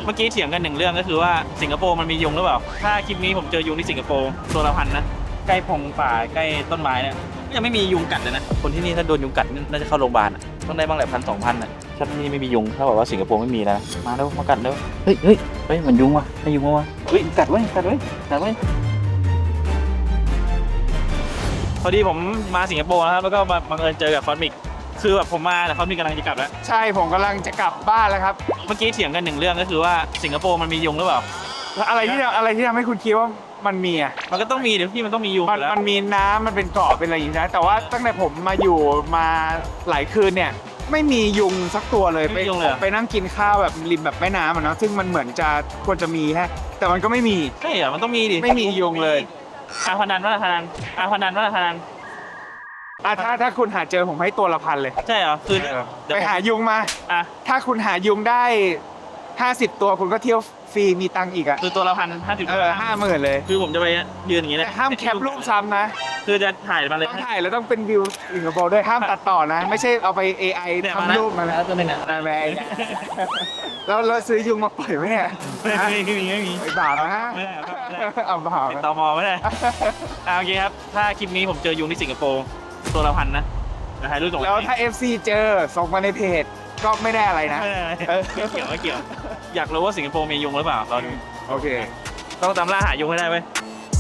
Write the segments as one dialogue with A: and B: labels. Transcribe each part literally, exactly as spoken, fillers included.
A: เมื่อกี้เถียงกันหนึ่งเรื่องก็คือว่าสิงคโปร์มันมียุงหรือเปล่าถ้าคลิปนี้ผมเจอยุงที่สิงคโปร์ตัวละพันนะใกล้พงป่าใกล้ต้นไม้เนี่ยยังไม่มียุงกัดเลยนะคนที่นี่ถ้าโดนยุงกัดน่าจะเข้าโรงพยาบาลต้องได้บ้างแหละพันสองพันอ่ะถ้าที่นี่ไม่มียุงถ้าบอกว่าสิงคโปร์ไม่มีนะมาแล้วมากัดแล้วเฮ้ยเฮ้ยเฮ้ยมันยุงว่ะไม่ยุงว่ะเฮ้ยกัดไว้กัดไว้กัดไว้พอดีผมมาสิงคโปร์นะครับแล้วก็มาบังเอิญเจอกับคอสมิกคือแบบผมมาแต่คอสมิกกำลังจะกลับแล้ว
B: ใช่ผมกำลังจะกลับบ้านแล้วครับ
A: เมื่อกี้เถียงกันหนึ่งเรื่องก็คือว่าสิงคโปร์มันมียุงหรือเปล่า
B: แล้วอะไรที่อะไรที่ทำให้คุณคิดว่ามันมีอ่ะ
A: มันก็ต้องมีเดี๋ยวพี่มันต้องมียุง
B: มัน
A: แล้ว
B: มันมีน้ำมันเป็นเกาะเป็นอะไรอย่างนี้นะแต่ว่าตั้งแต่ผมมาอยู่มาหลายคืนเนี่ยไม่มียุงสักตัวเลยไปไปนั่งกินข้าวแบบริมแบบแม่น้ำอ่ะเนาะซึ่งมันเหมือนจะควรจะมีฮะแต่มันก็ไม่มี
A: ใช่เหรอมันต้องมีดิ
B: ไม่มียุงเลย
A: อาพนันว่าพนันอาพนันว่าพนัน
B: อ่ะถ้าถ้าคุณหาเจอผมให้ตัวละพันเลย
A: ใช่เหรอคือ
B: ไปหายุงมา
A: อ่ะ
B: ถ้าคุณหายุงได้ห้าสิบตัวคุณก็เที่ยวฟรีมีตังค์อีกอ่ะ
A: คือตัวละพันห้าสิบ
B: เออห้าหมื่นเลย
A: คือผมจะไปยืนอย่างนี้เลย
B: แต่ห้ามแคปรูปซ้ำนะ
A: คือจะถ่ายมาเลย
B: ต้องถ่ายแล้วต้องเป็นวิวสิงคโปร์ด้วยห้ามตัดต่อนะ ไม่ใช่เอาไป เอ ไอ ทำรูปมา
A: แล้วตัวนึงอ่ะ
B: ได้ไหมแล้วเราซื้อยุงมาปล่อยไหมเนี่ย
A: ไม่มีไม่มีไม่มี
B: ไอ้บาปนะ
A: ไม่ได้ครับไม่ได้
B: เอาบาป
A: ตมไม่ได้อ่าโอเคครับถ้าคลิปนี้ผมเจอยุงที่สิงคโปร์ตัวละพันนะถ่ายรูปส่ง
B: แล้วถ้า เอฟ ซี เจอส่งมาในเพจก็ไม่ได้อะไรนะ
A: ไม่เกี่ยวไม่เกี่ยวอยากรู้ว่าสิงคโปร์มียุงหรือเปล่าตอนนี้
B: โอเค
A: ต้องตามล่าหายุงให้ได้เว้ย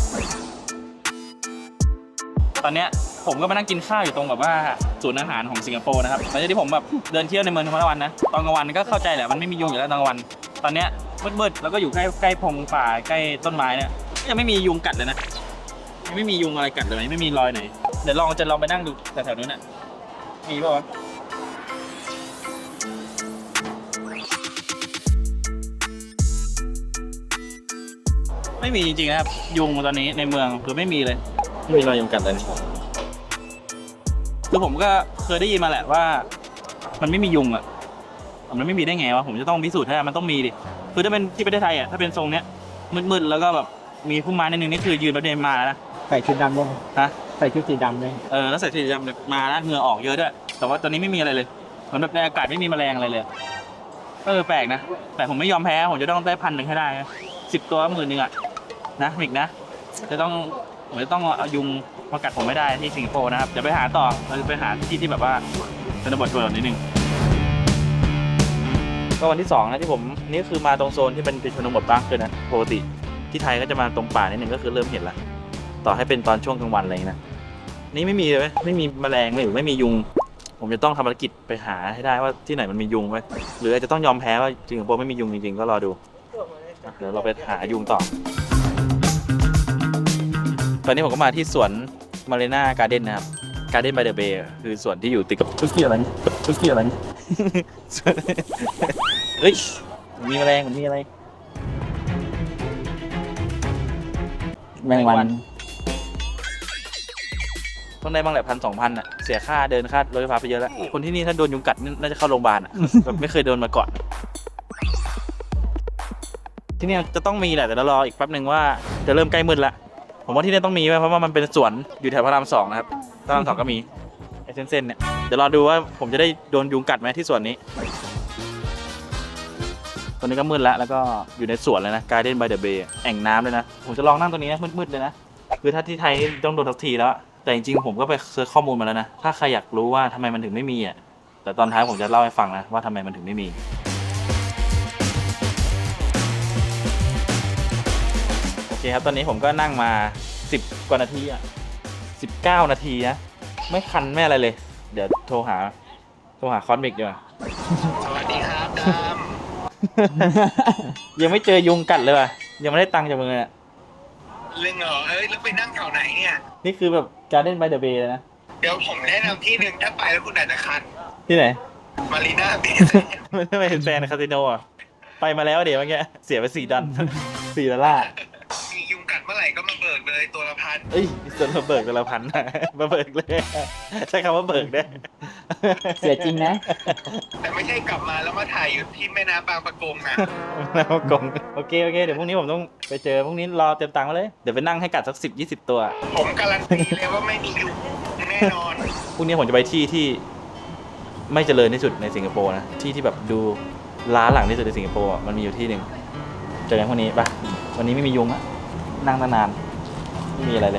A: ตอนเนี้ยผมก็มานั่งกินข้าวอยู่ตรงแบบว่าศูนย์อาหารของสิงคโปร์นะครับหลังจากที่ผมแบบเดินเที่ยวในเมืองทั้งวันนะตอนกลางวันก็เข้าใจแหละมันไม่มียุงอยู่แล้วตอนกลางวันตอนเนี้ยมืดๆแล้วก็อยู่ใกล้ใกล้พงป่าใกล้ต้นไม้เนี่ยยังไม่มียุงกัดเลยนะยังไม่มียุงอะไรกัดเลยไม่มีรอยไหนเดี๋ยวลองจะลองไปนั่งดูแถวๆนู้นน่ะมีป่าวะไม่มีจริงๆนะครับยุงตอนนี้ในเมืองคือไม่มีเลยไม่มีรอยยุงกัดเลยคือผมก็เคยได้ยินมาแหละว่ามันไม่มียุงอ่ะมันไม่มีได้ไงวะผมจะต้องพิสูจน์ให้มันต้องมีดิคือถ้าเป็นที่ประเทศไทยอ่ะถ้าเป็นทรงเนี้ยมืดๆแล้วก็แบบมีพุ่มไม้นิดนึงนี่คือยืนประเด็นมาแล้วนะ
B: ใส่ชุดดำด้วย
A: ฮะ
B: ใส่ชุดสีดำเลย
A: เออแล้วใส่ชุดสีดำมาแล้วเหงื่อออกเยอะด้วยแต่ว่าตอนนี้ไม่มีอะไรเลยเหมือนแบบในอากาศไม่มีแมลงอะไรเลยเออแปลกนะแต่ผมไม่ยอมแพ้ผมจะต้องได้พันหนึ่งให้ได้สิบตัวหมื่นหนึ่งอ่ะนะมิกนะจะต้องผมจะต้องเอายุงมากัดผมไม่ได้ที่สิงคโปร์นะครับเดี๋ยวไปหาต่อเราจะไปหาที่ที่แบบว่าชนบทชนบทนิดนึงก็วันที่สองนะที่ผมนี่คือมาตรงโซนที่เป็นชนบทบ้างคือนะปกติที่ไทยก็จะมาตรงป่านิดนึงก็คือเริ่มเห็นละต่อให้เป็นตอนช่วงกลางวันอะไรนะนี่ไม่มีเลยไม่มีแมลงไม่หรือไม่มียุงผมจะต้องทำภารกิจไปหาให้ได้ว่าที่ไหนมันมียุงไหมหรืออาจจะต้องยอมแพ้ว่าสิงคโปร์ไม่มียุงจริงๆก็รอดูเดี๋ยวเราไปหายุงต่อตอนนี้ผมก็มาที่สวนมารีนาการ์เด้นนะครับการ์เด้นบายเดอะเบย์คือสวนที่อยู่ติดกับทุกที่อะไรทุกที่อะไรเฮ้ยมีแมลงมันมีอะไรแมงวันต้องได้บ้างแหละพันสองพันอ่ะเสียค่าเดินค่ารถไฟฟ้าไปเยอะแล้วคนที่นี่ถ้าโดนยุงกัดน่าจะเข้าโรงพยาบาลอ่ะแบบไม่เคยโดนมาก่อนที่นี่จะต้องมีแหละแต่เรารออีกแป๊บหนึ่งว่าจะเริ่มใกล้มืดละผมว่าที่นี่ต้องมีเพราะว่ามันเป็นสวนอยู่แถวพระรามสองนะครับพระรามสองก็มีไอ้เส้นๆเนี่ยเดี๋ยวรอดูว่าผมจะได้โดนยุงกัดไหมที่สวนนี้ตอนนี้ก็มืดแล้วแล้วก็อยู่ในสวนเลยนะ Garden by the Bay แอ่งน้ำเลยนะผมจะลองนั่งตรงนี้นะมืดๆเลยนะคือถ้าที่ไทยต้องโดนทักทีแล้วแต่จริงๆผมก็ไปเซิร์ชข้อมูลมาแล้วนะถ้าใครอยากรู้ว่าทำไมมันถึงไม่มีอ่ะแต่ตอนท้ายผมจะเล่าให้ฟังนะว่าทำไมมันถึงไม่มีโอเคครับตอนนี้ผมก็นั่งมาสิบกว่านาทีอ่ะสิบเก้านาทีนะไม่คันไม่อะไรเลยเดี๋ยวโทรหาโทรหาคอสมิกดีกว่า
C: สวัสดีครับด
A: ำยังไม่เจอยุงกัดเลยว่ะยังไม่ได้ตังค์จากมึงเลย
C: เรื่องเหรอเอ้ยแล้วไปนั่งแถวไหนเนี่ย
A: นี่คือแบบ Garden by the Bay เลยนะ
C: เดี๋ยวผมแนะนำที่หนึ่งถ้าไปแล้วคุณอาจจะคัน
A: ที่ไหน
C: มารีนาเบย์
A: ไม่ไม่เห็นแฟนคาสิโนอ่ะไปมาแล้วเดี๋ยวเมื่อกี้เสียไปสี่ดอลสี่ดอลลาร์
C: มียุงกัดเมื่อไหร่ก็มาเบิกเลยตัวละพัน
A: เอ้ยส่วนมาเบิกตัวละพันมาเบิกเลยใช้คำว่าเบิกได้
B: เสียจริงนะ
C: แต่ไม่ใช่กลับมาแล้วมาถ่ายอยู่ที่แม่น้ำบางปะกงนะ
A: แม่น้ำบางปะกงโอเคโอเคเดี๋ยวพรุ่งนี้ผมต้องไปเจอพรุ่งนี้รอเตรียมตังค์มาเลยเดี๋ยวไปนั่งให้กัดสักสิบยี่สิบตัว
C: ผมการันตีเลยว่าไม่มียุงแน่นอน
A: พรุ่งนี้ผมจะไปที่ที่ไม่เจริญที่สุดในสิงคโปร์นะที่ที่แบบดูร้านหลังที่สุดในสิงคโปร์อะมันมีอยู่ที่หนึ่งเจอกันพวกนี้ปะวันนี้ไม่มียุงอะนั่งนานๆไม่มีอะไรเลย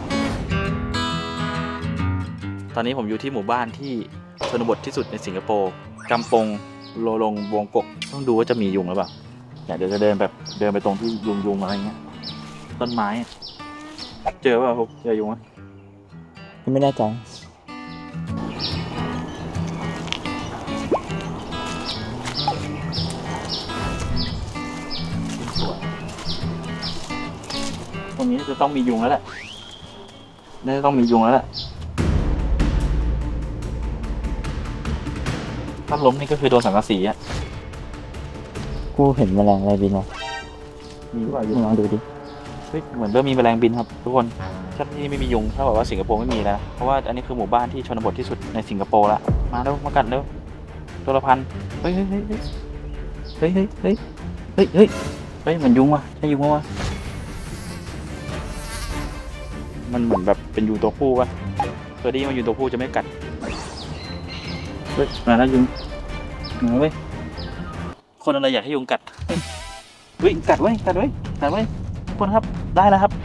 A: ตอนนี้ผมอยู่ที่หมู่บ้านที่ชนบทที่สุดในสิงคโปร์กำปงโลลงวงกกต้องดูว่าจะมียุงหรือเปล่าเนี่ยเดี๋ยวจะเดินแบบเดินไปตรงที่ยุงยุงอะไรเงี้ยต้นไม้อะเจอเปล่าครับเจอยุงไหมไม่แน่ใจตรงนี้จะต้องมียุงแล้วแหละน่าจะต้องมียุงแล้วแหละถ้าล้มนี่ก็คือโดนสังกะสีอ่ะ
D: กูเห็นแมลงอะไรบินวะ
A: มีหรือเปล่ายุ
D: มึ
A: ง
D: งลองดูดิ
A: เฮ้ยเหมือนเริ่มมีแมลงบินครับทุกคนถ้าที่นี่ไม่มียุงถ้าบอกว่าสิงคโปร์ไม่มีแล้วเพราะว่าอันนี้คือหมู่บ้านที่ชนบทที่สุดในสิงคโปร์ละมาเร็วมากัดเร็วตัวละพันเฮ้ยเฮ้ยเฮ้ยเฮ้ยเฮ้ยเฮ้ยเฮ้ยเฮ้ยเฮ้ยเฮ้ยเหมือนยุงว่ะใช่ยุงวะมันเหมือนแบบเป็นยุงตัวผู้ป่ะเคยได้ยินว่ายุงตัวผู้จะไม่กัดเฮ้ยมาแล้วยุงมาเว้ยคนอะไรอยากให้ยุงกัดเฮ้ยกัดไว้กัดไว้กัดไว้ทุกคนครับได้แล้วครับ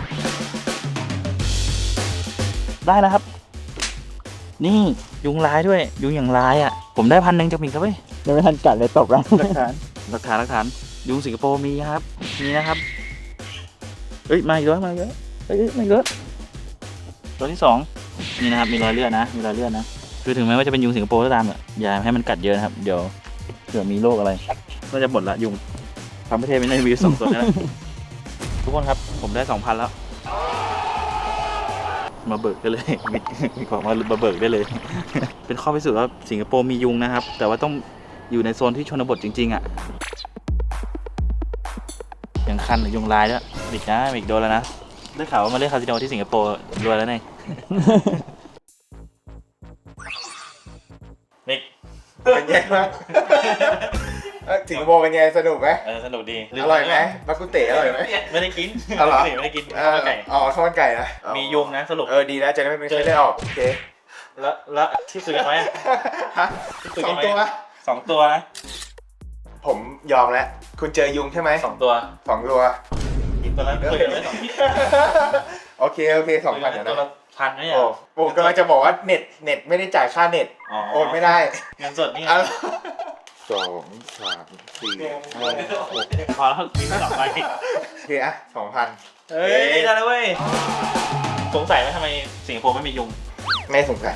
A: ได้แล้วครับ นี่ยุงลายด้วย ยุงอย่างลายอ่ะ ผมได้พันหนึ่งจากหมิงครับเว้ย
D: ยังไม่ทันกัดเลยตกแล้ว
A: หลักฐานหลักฐานหลักฐานยุงสิงคโปร์มีครับมีนะครับเอ้ยมาอีกแล้วมาอีกแล้วเอ้ยเอ้ยมาอีกแล้วตัวที่สองนี่นะครับมีรอยเลือดนะมีรอยเลือดนะคือถึงแม้ว่าจะเป็นยุงสิงคโปร์ก็ตามอ่ะอย่าให้มันกัดเยอะนะครับเดี๋ยวเผื่อมีโรคอะไรก็จะหมดละยุงทั้งประเทศไม่ได้มีสองตัวนี่แหละทุกคนครับผมได้สองพันแล้ว มาเบิกได้เลย มีมีของมามาเบิกได้เลย เป็นข้อพิสูจน์ว่าสิงคโปร์มียุงนะครับ แต่ว่าต้องอยู่ในโซนที่ชนบทจริงๆอ่ะยังคันหรือยุงลายด้วยดิกนะอีกโดนแล้วนะได้ข่าวว่ามาเล่นคาสิโนที่สิงคโปร์รวยแล้วไง นิก
B: เป็นไงบ้างสิงคโปร์เป็นไงสนุกไหม
A: เออสนุกดี
B: อร่อยไหมบักกุเต๋อร่อยไหม
A: ไม่ได้กิน
B: เอาเหรอ
A: ไม่ได้กิน
B: เอ
A: ข้าว
B: อ
A: มันไก่
B: อ๋อข้าวมันไก่นะ
A: มียุงนะสรุป
B: เออดีนะจะได้ไม่เป็นไข้เลือดออกโอเค
A: แล้วแล้วที่ซื้อกันไว้อะ
B: ฮะ
A: ที่ซื้อ
B: ส
A: กั
B: อน ง
A: ไว้
B: ตัว
A: สองตัวนะ
B: ผมยอมแล้วคุณเจอยุงใช่ไหม
A: สองตัว
B: สองตัว
A: กินตัวละคุยกันไว้สองที่
B: โอเคโอเคสองพันเดี๋ยว
A: ตัว
B: นะ
A: ละพันนะเนี่ย
B: โอ้ผมกำลังจะบอกว่าเน็ตเน็ตไม่ได้จ่ายค่าเน็ต
A: อ๋อ
B: โอนไม่ได้
A: เงินสดนี่ไง
B: อ่ะสองสามสี่ห้าหก
A: พอแล้วมีสองใบ
B: โอเคอะสองพัน
A: เฮ้ยได้แล้วเว้ยสงสัยไหมทำไมสิงคโปร์ไม่มียุง
B: ไม่สงสัย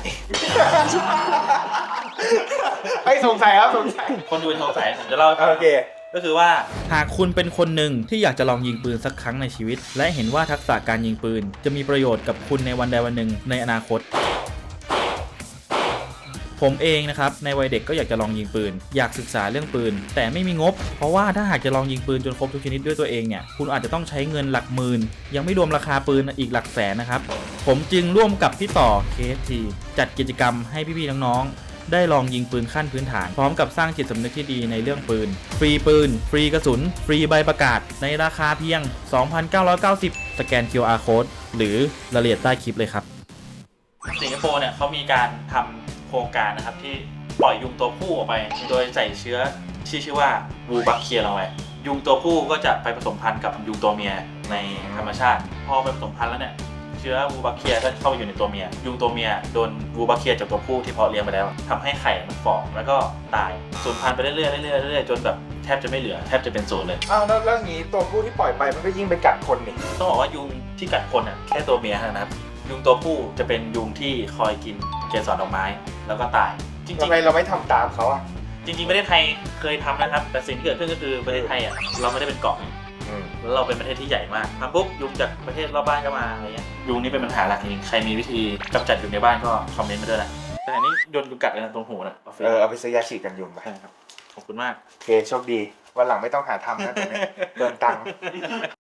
B: ไม่สงสัยครับสงสัย
A: คนดูสงสัยผมจะเล่าให้ฟัง
B: โอเค
A: ก็คือว่า
E: หากคุณเป็นคนหนึ่งที่อยากจะลองยิงปืนสักครั้งในชีวิต และเห็นว่าทักษะการยิงปืนจะมีประโยชน์กับคุณในวันใดวันหนึ่งในอนาคต ผมเองนะครับในวัยเด็กก็อยากจะลองยิงปืนอยากศึกษาเรื่องปืนแต่ไม่มีงบเพราะว่าถ้าหากจะลองยิงปืนจนครบทุกชนิดด้วยตัวเองเนี่ยคุณอาจจะต้องใช้เงินหลักหมื่นยังไม่รวมราคาปืนอีกหลักแสนนะครับผมจึงร่วมกับพี่ต่อ เค เอฟ ที จัดกิจกรรมให้พี่ๆน้องๆได้ลองยิงปืนขั้นพื้นฐานพร้อมกับสร้างจิตสำนึกที่ดีในเรื่องปืนฟรีปืนฟรีกระสุนฟรีใบประกาศในราคาเพียง สองพันเก้าร้อยเก้าสิบ สแกน คิว อาร์ Code หรือรายละเอียดใต้คลิปเลยครับ
A: สิงคโปร์เนี่ยเขามีการทำโครงการนะครับที่ปล่อยยุงตัวผู้ออกไป โดยใส่เชื้อที่ชื่อว่าบูบัคเคียลงไปยุงตัวผู้ก็จะไปผสมพันธุ์กับยุงตัวเมียในธรรมชาติพอไปผสมพันธุ์แล้วเนี่ยเชื้อบูบัคเคียก็เข้าไปอยู่ในตัวเมียยุงตัวเมียโดนบูบัคเคียจากตัวผู้ที่เพาะเลี้ยงไปแล้วทำให้ไข่มันฝ่อแล้วก็ตายสูญพันธุ์ไปเรื่อยๆเรื่อยๆเรื่อยๆจนแบบแทบจะไม่เหลือแทบจะเป็นศูนย์เลย
B: อ้าวแล้วแล้วงี้ตัวผู้ที่ปล่อยไปมันก็ยิ่งไปกัดคนนี่
A: ต้องบอกว่ายุงที่กัดคนอ่ะแค่ตัวเมียเท่านั้นนะครับยุงตัวผู้จะเป็นยุงที่คอยกินเกสรดอกไม้แล้วก็ตายจริง
B: ทำไมเราไม่ทำตามเขาอ่ะ
A: ๆจริงๆประเทศไทยเคยทำนะครับแต่สิ่งที่เกิดขึ้นก็คือประเทศไทยอ่ะเราไม่ได้เป็นเกาะ
B: อืม
A: แล้วเราเป็นประเทศที่ใหญ่มากทำปุ๊บยุงจากประเทศรอบบ้านก็มาอะไรเงี้ยยุงนี่เป็นปัญหาหลักจริงๆใครมีวิธีกำจัดยุงในบ้านก็คอมเมนต์มาด้วยนะแต่อันนี้โดนยุงกัดเลยนะตรงหูนะ
B: เออเอาไปซื้อยาฉีดกันยุงไป
A: ใช่ครับขอบคุณมาก
B: โอเคโชคดีวันหลังไม่ต้องหาทำนะตรงนี้เดินตังค์